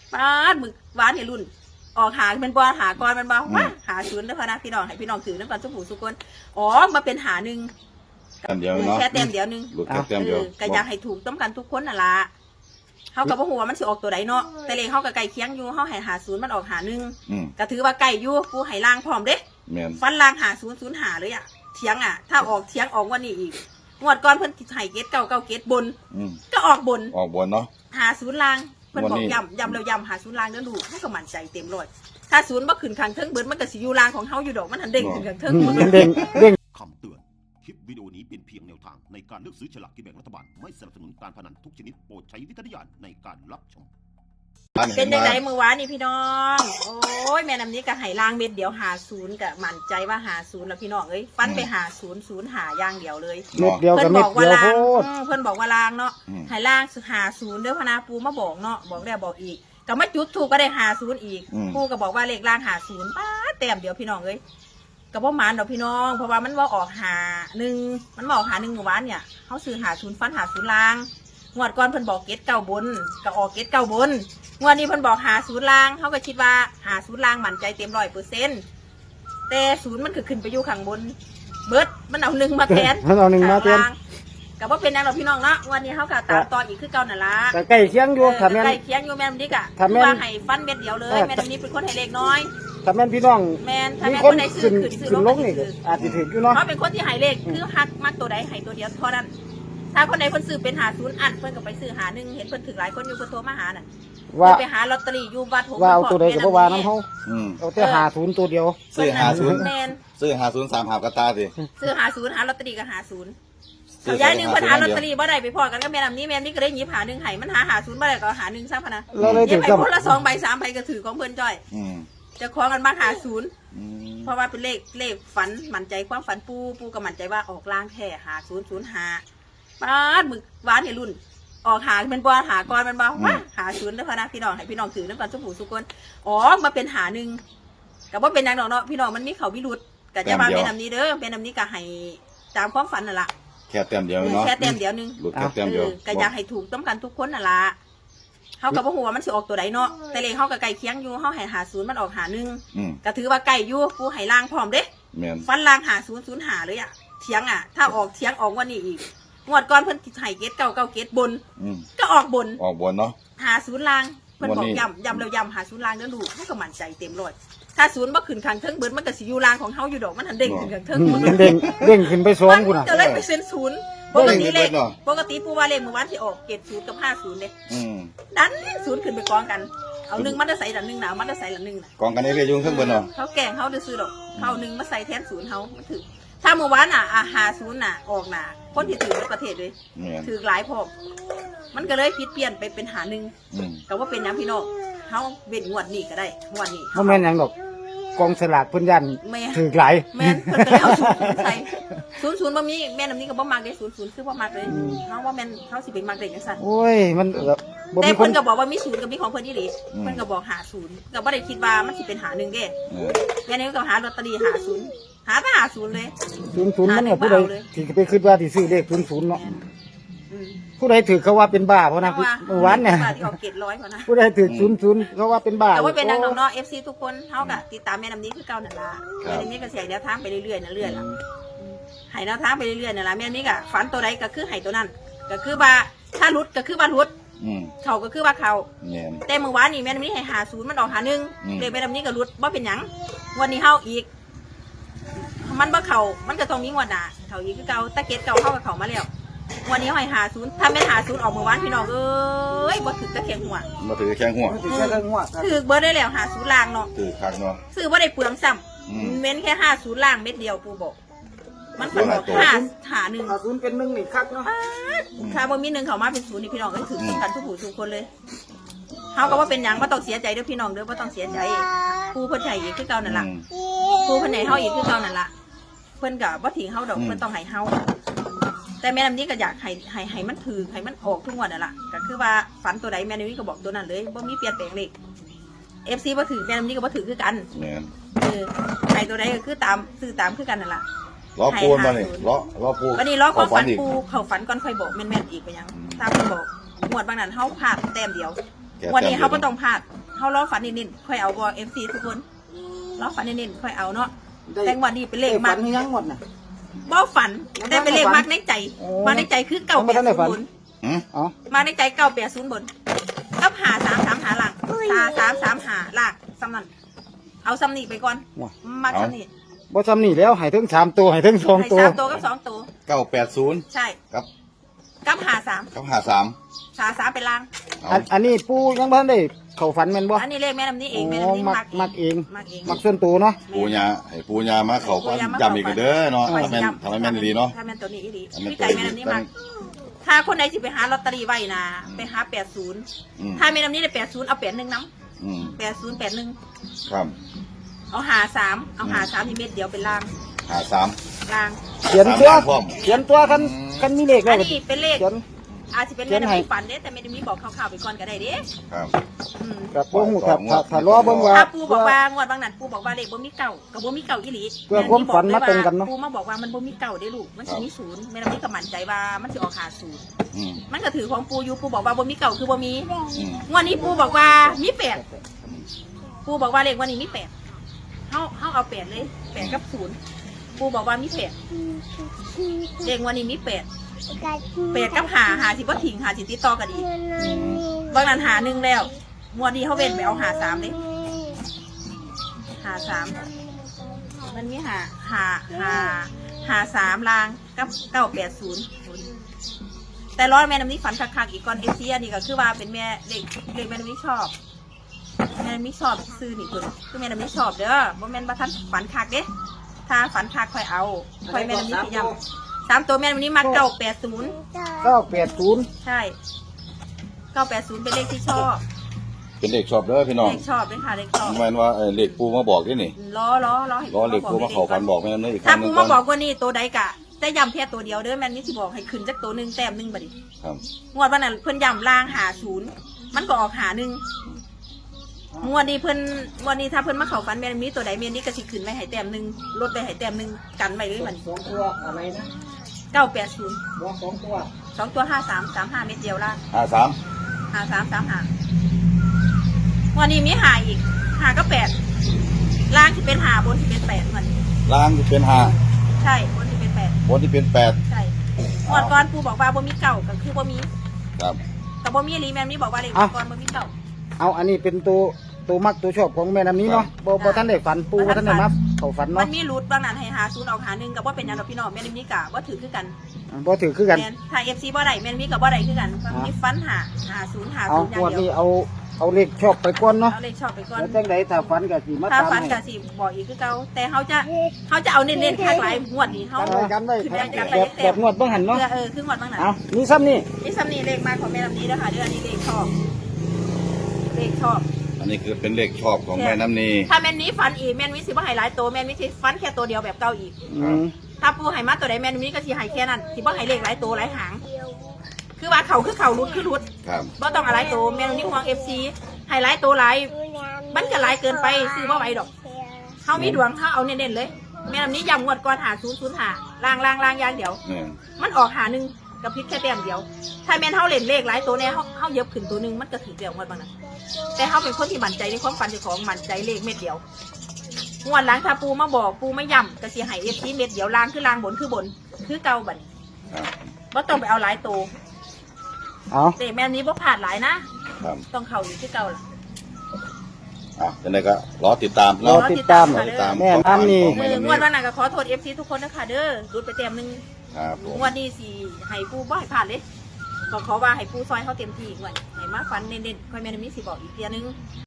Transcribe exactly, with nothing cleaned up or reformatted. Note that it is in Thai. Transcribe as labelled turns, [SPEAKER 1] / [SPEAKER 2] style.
[SPEAKER 1] ป้าดมึกหวานเฮรุ่นออกหาเป็นบอหาก่อนเป็นบอว่าหาศูนย์เด้อพะนะพี่น้องให้พี่น้องถือน้ำกันสุผูสุกคนอ๋อมาเป็นหาหนึ่ง
[SPEAKER 2] แต้มเดียวเนาะ
[SPEAKER 1] แค่เต็มเดียวนึง
[SPEAKER 2] หลุดแค่แต้มเดียว
[SPEAKER 1] ก็อยากให้ถูกต้องกันทุกคนน่ะละเขากับหัวมันสิออกตัวใดเนาะแต่เลขเขากับไก่เคียงอยู่เขาให้หาศูนย์มันออกหาหนึ่งก็ถือว่าไก่อยู่กูให้ล่างพร้อมเด้ฟันล่างหาศูนย์ศูนย์หาเลยอ่ะเทียงอ่ะถ้าออกเทียงออกวันนี้อีกงวดก่อนเพิ่นไห้เกตเก้าเก้าเกตบนก็ออกบน
[SPEAKER 2] ออกบนเนาะ
[SPEAKER 1] หาศูนย์ล่างเพิ่นบอกย้ำย้ำแล้วย้ำหาศูนย์ล่างแล้วดูให้ก็มั่นใจเต็มร้อยถ้าศูนย์บ่ขึ้นข้างเทิงเบิดมันก็สิอยู่ล่างของเฮาอยู่ดอกมันทันเด้งขึ้นข้างเทิง
[SPEAKER 3] เด้งเด้ง
[SPEAKER 4] คำเตือนคลิปวิดีโอนี้เป็นเพียงแนวทางในการเลือกซื้อฉลากกินแบ่งรัฐบาลไม่สนับสนุนการพนันทุกชนิดโปรดใช้วิจารณญาณในการรับชม
[SPEAKER 1] เป็นยังไงเมื่อวานนี่พี่น้องโอ้ยแม่น้ำนี้ก็ไห้ล่างเม็ดเดียวหาศูนย์ก็มั่นใจว่าหาศูนย์แล้วพี่น้องเอ้ยฟันไปหาศูนย์ศูนย์หาย่างเดียวเลย
[SPEAKER 3] เม็ดเดียวกับเม็ดเดียวโคตร
[SPEAKER 1] เพิ่นบอกว่าล่างเนาะไห้ล่างหาศูนย์เด้อพนาปูมาบอกเนาะบอกแล้วบอกอีกก็มาจุดถูกก็ได้หาศูนย์อีกปูก็บอกว่าเลขล่างหาศูนย์ป้าแต้มเดียวพี่น้องเอ้ยกับว่ามันดอกพี่น้องเพราะว่ามันว่าออกหาหนึ่งมันบอกหาหนึ่งเมื่อวานเนี่ยเขาซื้อหาศูนย์ฟันหาศูนย์ล่างงวดก่อนเพิ่นบอกเกตเก้าบนก็ออกเกตเก้าบนงวดนี้เพิ่นบอกหาศูนย์ล่างเขาก็คิดว่าหาศูนย์ล่างมั่นใจเต็มร้อยเปอร์เซ็นต์แต่ศูนย์มันคือขึ้นไปอยู่ข้างบนเบิร์ดมันเอาหนึ่งมาแทน
[SPEAKER 3] มันเอาหนึ่งมาแทน
[SPEAKER 1] กับว่าเป็นนางเราพี่น้องเนาะวันนี้เขาก็ตามต่ออีกคือเก่านั่นละ
[SPEAKER 3] ใกล้เคียงอยู่ถ้าแม่น
[SPEAKER 1] ใกล้เคียงอยู่แม่นนี่กะถ้าว่าให้ฟันเม็ดเดียวเลยแม่นนี่เป็นคนให้เล็กน้อย
[SPEAKER 3] ถ้าแม่นพี่น้อง
[SPEAKER 1] แม่นถ้า
[SPEAKER 3] แ
[SPEAKER 1] ม่น
[SPEAKER 3] คน
[SPEAKER 1] ใดซื้อขึ้นซื้อลงนี่
[SPEAKER 3] อาจจะถึงอยู่เนาะ
[SPEAKER 1] เขาเป็นคนที่ให้เล็กคือฮักมักตัวใดให้ตัวเดียวเท่านั้นถ้าคนใดคนซื้อเป็นหาศูนย์อันเพิ่นก็ไปซื้อหาหนึ่งเห็นเพิ่นถึงหลายคนอยู่เพิ่นโทรมาหาน่ะว่าไปหาลอตเตอรี่อยู่วัดหงส์
[SPEAKER 3] ว่าเอาตัวใดก็บ่ว่าน้ำเฮาเอาแต่หาศูนย์ตัวเดียว
[SPEAKER 2] ซื้อหาศูนย์ซื้อหาศูนย์สามหาบกระตาสิ
[SPEAKER 1] ซื้อหาศูนย์หาลอตเตอรี่ก็หาศูนย์เอาย้ายหนึ่งปัญหาลอตเตอรี่บ่ได้ไปพอกันก็แม่นำนี้แม่นนี่ก็ได้หยิบหาหนึ่งไห้มันหาหาศูนย์บ่ได้ก็หาหนึ่งซะพะนะเย็บไอ้คนละสองใบสามใบก็ถือของเพิ่นจ้อยจะคล้องกันมาหาศูนย์เพราะว่าเป็นเลขเลขฝันมั่นใจความฝันปูปูก็มั่นใจว่าออกล่างแท้หาศูนย์ศูนย์หาป้าดมึกหวานเฮรุ่นออกหาเป็นบอหาก่อนเป็นบอว่าหาศูนย์เด้อพะนะพี่น้องให้พี่น้องถือน้ำกันสุผูสุกคนอ๋อมาเป็นหาหนึ่งกับว่าเป็นนางดอกเนาะพี่น้องมันมีเขาวิรุธกับจะมาเป็นนำนี้เด้อเป็นนำนี้ก็ให้ตามความฝันนั่นแหละ
[SPEAKER 2] แค่แต้มเดียวเนาะ
[SPEAKER 1] แค่แต้มเดียวนึง
[SPEAKER 2] หลุดแค่แต้มเดียว
[SPEAKER 1] ก็อยากให้ถูกต้องกันทุกคนน่ะละเขากับหัวมันสิออกตัวใดเนาะแต่เลขเขากับไก่เคียงอยู่เขาให้หาศูนย์มันออกหาหนึ่งก็ถือว่าไก่อยู่กูให้ล่างพร้อมเด้ฟันล่างหาศูนย์ศูนย์หาเลยอ่ะเทียงอ่ะถ้าออกเทียงออกวันนี้อีกงวดก่อนเพิ่นไห้เกตเก้าเก้าเกตบนก็ออกบน
[SPEAKER 2] ออกบนเนาะ
[SPEAKER 1] หาศูนย์ล่างเพิ่นบอกย้ำย้ำแล้วย้ำหาศูนย์ล่างแล้วดูให้ก็มั่นใจเต็มร้อยถ้าศูนย์บ่ขึ้นข้างเทิงเบิดมันก็สิอยู่ล่างของเฮาอยู่ดอกมันทันเด้งขึ้นข้างเทิง
[SPEAKER 3] มันเด้งเด้งขึ้นไปสองพุ่นน่ะ
[SPEAKER 1] จะเลยไปเซ็นศูนย์ปกติเลขปกติปูว่าเลขเมื่อวานที่ออกเกตศูนย์กับห้าศูนย์เด้ดันศูนย์ขึ้นไปกองกันเอาหนึ่งมันจะใส่ดันหนึ่งหนาวมันจะใส่ดันหนึ่งน่ะ
[SPEAKER 2] กองกันได้เลยยุ่งข้างบนเนาะ
[SPEAKER 1] เขาแกล้งเขาจะซื้อดอกเขาหนึ่งมาใส่แทนศูนย์เฮามันถือถ้าเมื่อวานน่ะอาหาศูนย์น่ะออกน่ะคนที่ถือในประเทศเลยถือหลายพอมันก็เลยผิดเปลี่ยนไปเป็นหาหนึ่งแต่ว่าเป็นน้ำพี่น้องเขาเว้นงวดนี้ก็ได้งวดนี้
[SPEAKER 3] เขาแม่นยังดอกกองสลากเพิ่นยันถือหลาย
[SPEAKER 1] แม่นเพิ่นก็เอาศูนย์ใส่ศูนย์ศูนย์บ่มีแม่น้ำนี้ก็บ่มักได้ศูนย์ศูนย์คือบ่มักเลยเขาว่าแม่นเขาสิไปมักได้จังซั่น
[SPEAKER 3] โอ้ยมัน
[SPEAKER 1] แต่เพิ่นก็บอกว่ามีศูนย์กับมีของเพิ่นอีหลีเพิ่นก็บอกหาศูนย์ก็บ่ได้คิดว่ามันสิเป็นหาหนึ่งเด้แม่นี่ก็หาลอตเตอรี่หาศูนย์หาแต่หาศูนย์เลย
[SPEAKER 3] ศูนย์ศูนย์มันเนี่ยผู้ใดที่ไปคิดว่าที่ซื้อเลขศูนย์ศูนย์เนาะผู้ใดถือเขาว่าเป็นบ้าเพราะนะเมื่อวานเนี่ยผู้ใดถือศูนย์ศูนย์เขาว่าเป็นบ้า
[SPEAKER 1] แต่ว่าเป็นนางน้องเอฟซีทุกคนเท่ากับติดตามแม่น้ำนี้คือเก่านั่นละแม่น้ำนี้ก็เสียแนวทางไปเรื่อยๆนั่นเรื่อยละหายแนวทางไปเรื่อยๆนั่นละแม่น้ำนี้ก็ฝันตัวใดก็คือหายตัวนั้นก็คือว่าถ้ารุดก็คือว่ารุดเขาก็คือว่าเขาแต่เมื่อวานนี่แม่น้ำนี้ให้หาศูนย์มันออกหาหนึ่งเดี๋ยวแม่น้ำนี้ก็รุดว่าเป็นหยังวันนี้เฮาอีกมันบ่เขามันก็ต้องมีงวดหนาเขาอีกคือเก่าตะเกียบเก่าเข้ากับเขามาแล้ววันนี้หอยหาศูนย์ถ้าไม่หาศูนย์ออกเมื่อวานพี่น้องเอ้ยบ่ถือตะเคียงหัว
[SPEAKER 2] บ่ถือแข้งหัว
[SPEAKER 3] ถือแค่หัว
[SPEAKER 1] ถือเบอร์ได้แล้วหาศูนย์ล่างเนาะ
[SPEAKER 2] ถือคักเนาะ
[SPEAKER 1] ซื้อบ่ได้เปลืองซ้ำเม้นแค่ห้าศูนย์ล่างเม็ดเดียวปูบอกมันเป็นบอกห้าหาหนึ่ง
[SPEAKER 3] หาศูนย์เป็นหนึ่งนี่คักเนาะ
[SPEAKER 1] ถ้าบ่มีหนึ่งเขามาเป็นศูนย์นี่พี่น้องก็ถือกันทุกผู้ทุกคนเลยเขาก็ว่าเป็นยังบ่ต้องเสียใจเด้อพี่น้องเด้อบ่ต้องเสียใจปูเพิ่นให้อีกคือเก่านั่นล่ะปูเพิ่นให้เฮาอีกคือเก่านั่นล่ะเพิ่นก็บ่ทิ้งเฮาดอกเพิ่นต้องให้เฮาแต่แม่น้ำนี้ก็อยากให้ให้ให้มันถือให้มันออกทุกวันนั่นแหละก็คือว่าฝันตัวใดแม่น้ำนี้ก็บอกตัวนั้นเลยว่ามีเปลี่ยนแปลงเลขเอฟซีบ่ถือแม่น้ำนี้ก็บ่ถือคือกันเออใครตัวใดก็คือตามซื้อตามคือกันนั่นแหละ
[SPEAKER 2] ล้อปูนมาเนี่ยล้อล้อปู
[SPEAKER 1] วันนี้ล้อความฝันปูเขาฝันก่อนค่อยบอกแม่นๆอีกไปยังตามที่บอกหมวดบางนั้นเขาพลาดแต้มเดียววันนี้เขาก็ต้องพลาดเฮาล้อฝันนิดๆค่อยเอาบ่ เอฟ ซี ทุกคนล้อฝันนิดๆค่อยเอาเนาะแต่งวดนี้เป็นเลข
[SPEAKER 3] ฝั
[SPEAKER 1] มัก
[SPEAKER 3] นยังหมดน่ะ
[SPEAKER 1] บ่ฝันแต่เป็นเลขมักในใจ
[SPEAKER 3] โอ้
[SPEAKER 1] มาในใจคือเก้า
[SPEAKER 3] ไม่
[SPEAKER 1] แป
[SPEAKER 3] ทั
[SPEAKER 1] ด
[SPEAKER 3] นได้ฝั
[SPEAKER 1] ศู
[SPEAKER 3] น
[SPEAKER 1] นย์
[SPEAKER 2] อืม
[SPEAKER 3] อ๋อ
[SPEAKER 1] มาในใจเก้าแปดศูนย์บนกับหาสามสามหาหลังหาสามสามหาหลักซ้ำนั่นเอาซ้ำนี่ไปก่อนมักซ้ำนี่
[SPEAKER 3] บ่ซ้ำนี่แล้วให้ถึงสามตัวให้ถึงสอง
[SPEAKER 1] ให้
[SPEAKER 3] ตัว
[SPEAKER 1] สามตัวกับสองตัว
[SPEAKER 2] เก้าแปดศูนย์
[SPEAKER 1] ใช่
[SPEAKER 2] ครับ
[SPEAKER 1] กับหาสาม
[SPEAKER 2] ครับหาสาม
[SPEAKER 1] หาสามเป็นล่าง
[SPEAKER 3] อันอันนี้ปูยังบ่ทันได้เข้าฝันแม่นบ่
[SPEAKER 1] อันนี้เลขแม่น้ำนี้เองแม่
[SPEAKER 3] อ๋อ
[SPEAKER 1] น้ำนี้
[SPEAKER 3] มัก
[SPEAKER 1] มัก
[SPEAKER 3] มักเอง
[SPEAKER 1] มักเอง
[SPEAKER 3] มักส่วนตัวเนาะ
[SPEAKER 2] ปูยาให้ปูยามาเขาฟัน
[SPEAKER 1] ปูยามา
[SPEAKER 2] ย้ำอีกเด้อเนาะ
[SPEAKER 1] เข้า
[SPEAKER 2] ทำ
[SPEAKER 1] ฝั
[SPEAKER 2] แม่นทำให้แม่นดีเนาะ
[SPEAKER 1] ถ้าแม่นตัวนี้อีดี
[SPEAKER 2] ทำแม่น
[SPEAKER 1] พี่
[SPEAKER 2] ตัว
[SPEAKER 1] ไก่
[SPEAKER 2] นี้
[SPEAKER 1] แม่น้ำนี้มักถ้าคนใดสิไปหาลอตเตอรี่ไว้นะไปหาแปดศูนย์
[SPEAKER 2] อืม
[SPEAKER 1] ถ้าแม่น้ำนี้ได้แปดศูนย์เอาแปดหนึ่งน้
[SPEAKER 2] อืม
[SPEAKER 1] ำแปดศูนย์แปดหนึ่ง
[SPEAKER 2] ครับ
[SPEAKER 1] เอาหาสามเอาหาสามที่เม็ดเดียวเป็นล่าง
[SPEAKER 2] หาสาม
[SPEAKER 1] ล่าง
[SPEAKER 3] เขียนตัว
[SPEAKER 2] สามล้านพร้อม
[SPEAKER 3] เขียนตัวคันคันมีเลข
[SPEAKER 1] อั
[SPEAKER 3] แล้ว
[SPEAKER 1] นนี้เป็นเลข
[SPEAKER 3] เขียน
[SPEAKER 1] อาจจะเป็น
[SPEAKER 3] เขี
[SPEAKER 1] แม่
[SPEAKER 3] ยนให้
[SPEAKER 1] น้ำนี้ฝันเด้แต่แม่น้ำนี้บอกข่าวๆไปก่อนก็ได้เด้
[SPEAKER 2] ครับ
[SPEAKER 1] อืม
[SPEAKER 3] กับบ่ฮู้ครับถ้าถ้ารอเบิ่งว่า
[SPEAKER 1] ถ้าปูบอกว่างวดบางนั้นปูบอกว่าเลขบ่มีเก่ากับบ่มีเก่าอีหลี
[SPEAKER 3] เพื่อความฝันมาตรงกันเนาะ
[SPEAKER 1] ปูมาบอกว่ามันบ่มีเก่าเด้ลูกมันสิมีศูนย์แม่น้ำนี้ก็มั่นใจว่ามันสิออกหาศูนย์
[SPEAKER 2] อืม
[SPEAKER 1] มันก็ถือของปูอยู่ปูบอกว่าบ่มีเก่าคือบ่มี
[SPEAKER 2] อืม
[SPEAKER 1] งวดนี้ปูบอกว่ามีแปดปูบอกว่าเลขวันนี้มีแปดเฮาเฮาเอาแปดเลยแปดกับศูนย์ปูบอกว่ามีแปดเลขวันนี้มีแปดแปดกับหาหาสิบ่ทิ้งหาสิติดต่อกันอีกบางนั้นหาหนึ่งแล้วงวดนี้เขาเว้นไปเอาหาสามเลยหาสามมันมีหาหาหาหาสามลางกับเก้าแปดศูนย์แต่ร้อนแม่น้ำนี้ฝันคักๆอีกก่อนเอฟซีอันนี้ก็คือว่าเป็นแม่เด็กเด็กแม่น้ำนี้ชอบแม่น้ำนี้ชอบซื้อนี่ตัวคือแม่น้ำนี้ชอบเด้อบ่แม่นบ่ทันฝันคักเด้ถ้าฝันคักค่อยเอาค่อยแม่น้ำนี้สิย้ำสามตัวแม่น้ำนี้มาเก้าแปดศูนย์
[SPEAKER 3] เก้าแปดศูนย์
[SPEAKER 1] ใช่เก้าแปดศูนย์เป็นเลขที่ชอบ
[SPEAKER 2] เป็นเด็กชอบเด้อพี่น้อง
[SPEAKER 1] เลขชอบเลยค่ะเลขชอบ
[SPEAKER 2] แม่นว่าเอ่อเลขปูมาบอกด้วยนี่
[SPEAKER 1] ล้อล้อล้อให้
[SPEAKER 2] รอเลขปูมาเขาฟันบอกแม่นเลยอีกค
[SPEAKER 1] ถ้า
[SPEAKER 2] รั้งหนึ
[SPEAKER 1] ปู
[SPEAKER 2] งก่
[SPEAKER 1] มา
[SPEAKER 2] อน
[SPEAKER 1] บอกว่านี่ตัวใดกะแต่ย้ำแค่ตัวเดียวเด้อแม่นนี่สิบอกให้ขึ้นจากตัวหนึ่งแต้มหนึ่งบัดนี้
[SPEAKER 2] ครับ
[SPEAKER 1] งวดวันนั้นเพิ่นย้ำล่างหาศูนย์มันก็ออกหาหนึ่งงวดนี้เพิ่นงวดนี้ถ้าเพิ่นมาเข้าฝันแม่นมีตัวใดแม่นนี่ก็สิขึ้นไว้ให้แต้มหนึ่งลดไปให้แต้มหนึ่งกันไว้เลยมัน
[SPEAKER 3] สองตัวอะไรนะ
[SPEAKER 1] เก้าแปดศูนย์
[SPEAKER 3] บ่สองตัว
[SPEAKER 1] สองตัวห้าสามสามห้าเม็ดเดียวล่าง
[SPEAKER 2] ห้าสาม
[SPEAKER 1] หาสามสามหาวันนี้มีหาอีกหาก็แปดล่างที่เป็นหาบนที่เป็นแปดมัน
[SPEAKER 2] ล่างที่เป็นห้า
[SPEAKER 1] ใช่บนที่เป็นแปด
[SPEAKER 2] บนที่เป็นแปด
[SPEAKER 1] ใช่งวดก่อนปูบอกว่าบ่มีเก่าก็คือบ่มี
[SPEAKER 2] ครับ
[SPEAKER 1] กับบ่มีรีแมนนี่บอกว่าเลขก่อนบ่มีเก่า
[SPEAKER 3] เอาอันนี้เป็นตัวตัวมักตัวชอบของแม่น้ำนี้เนาะบ่บ่ทันได้ฝันปูบ่ทันได้มาเข้าฝัน
[SPEAKER 1] มั
[SPEAKER 3] เนาะ
[SPEAKER 1] นมีรูทบางนั้นให้หาศูนย์ออกหาหนึ่งกับว่าเป็นอันเราพี่น้องแม่นนี่กะว่าถือคือกัน
[SPEAKER 3] บ่ถือคือกัน
[SPEAKER 1] แม่นถ้าเอฟซีบ่ได้แม่นมีกับบ่ได้คือกันมีฟันหาหาศูนย์หา
[SPEAKER 3] เอา
[SPEAKER 1] ศูนย์อย่าง
[SPEAKER 3] งวด
[SPEAKER 1] เดี
[SPEAKER 3] นี้
[SPEAKER 1] ยว
[SPEAKER 3] เอาเอาเลขชอบไปก่อนเนาะ
[SPEAKER 1] เอาเลขชอบไปก่อน
[SPEAKER 3] แล้วจังไดถ้าฝันก็สิมา
[SPEAKER 1] ถ้า
[SPEAKER 3] ตาม
[SPEAKER 1] ฟัน
[SPEAKER 3] ให้
[SPEAKER 1] กะสิบอกอีกคือเก่าแต่เขาจะเขาจะเอาเน้นๆข้างหลายงวดนี้เขา
[SPEAKER 3] กันไว้กันไว้
[SPEAKER 1] คือ
[SPEAKER 3] แบบแบบงวดเบิ่งหันเนาะ
[SPEAKER 1] เออเออคืองวดบางนั้น
[SPEAKER 3] เอานี่ซ้ำนี่
[SPEAKER 1] นี่ซ้ำนี่เลขมาของแม่ลำนี้นะคะเดือนนี้เลขชอบเลขชอบ
[SPEAKER 2] อันนี้คือเป็นเลขชอบของแม่น้ำนี
[SPEAKER 1] ถ้าแม่นนี้ฟันอีกแม่นวิสิบ่ให้หลายตัวแม่นวิสิฟันแค่ตัวเดียวแบบเก่าอีก
[SPEAKER 3] อืม
[SPEAKER 1] ถ้าปูให้มาตัวใดแม่นวิก็สิให้แค่นั้นสิบ่ให้เลขหลายตัวหลายหาง คือว่าเขาคือเขารุดคือรุด
[SPEAKER 2] ครับ
[SPEAKER 1] บ่ต้องอะไรตัวแม่นวิห่วง เอฟ ซี ให้หลายตัวหลายมันก็หลายเกินไปซื้อบ่ไหวดอกเฮามีดวงเฮาเอาเน้นๆเลย แม่นนี้ย้ำงวดก่อนหาศูนย์ศูนย์หาล่างล่างล่างอย่างเดียว
[SPEAKER 2] เนี่ย
[SPEAKER 1] มันออกหาหนึ่งกับพริษแค่แต้มเดียว ถ้าแม่นเฮาเล่นเลขหลายตัวแน่เฮาเฮาเย็บขึ้นตัวหนึงมันก็ถือเดียวงวดบางนั้นแต่เฮาเป็นคนที่มั่นใจในความฝันเจ้าของมั่นใจเลขเม็ดเดียวงวดหลังถ้าปูมาบอกปูไม่ย่ำก็สิให้เอฟซีเม็ดเดียวล่างคือล่างบนคือบนคือเก่าบัดนี้
[SPEAKER 2] ครับ
[SPEAKER 1] บ่ต้องไปเอาหลายตัว
[SPEAKER 3] เอา
[SPEAKER 1] แต่แม่นนี้บ่ผ่านหลายนะครับ ต้องเข้าอยู่คือเก่าล่ะ
[SPEAKER 2] อ่ะยังไงก็รอติดตาม
[SPEAKER 3] รอ
[SPEAKER 2] เนาะ
[SPEAKER 3] ติดตาม
[SPEAKER 1] รอ
[SPEAKER 2] ติดตาม
[SPEAKER 3] แม่น้ำนี่
[SPEAKER 2] ของ
[SPEAKER 1] มื
[SPEAKER 2] แม่
[SPEAKER 1] อ
[SPEAKER 2] น้ำ
[SPEAKER 1] ง
[SPEAKER 2] นี
[SPEAKER 1] วดวันนั้นก็ขอโทษเอฟซีทุกคนนะคะเด้อรุดไปเต็มหนึง
[SPEAKER 2] ครับผม
[SPEAKER 1] งวดนี้สิให้ปูบ่ให้ผ่านเลยก็ขอว่าให้ปูซอยเขาเต็มที่อีกวันให้มาฟันเน้นๆค่อยแม่นมีสิบอกอีกเทียนึง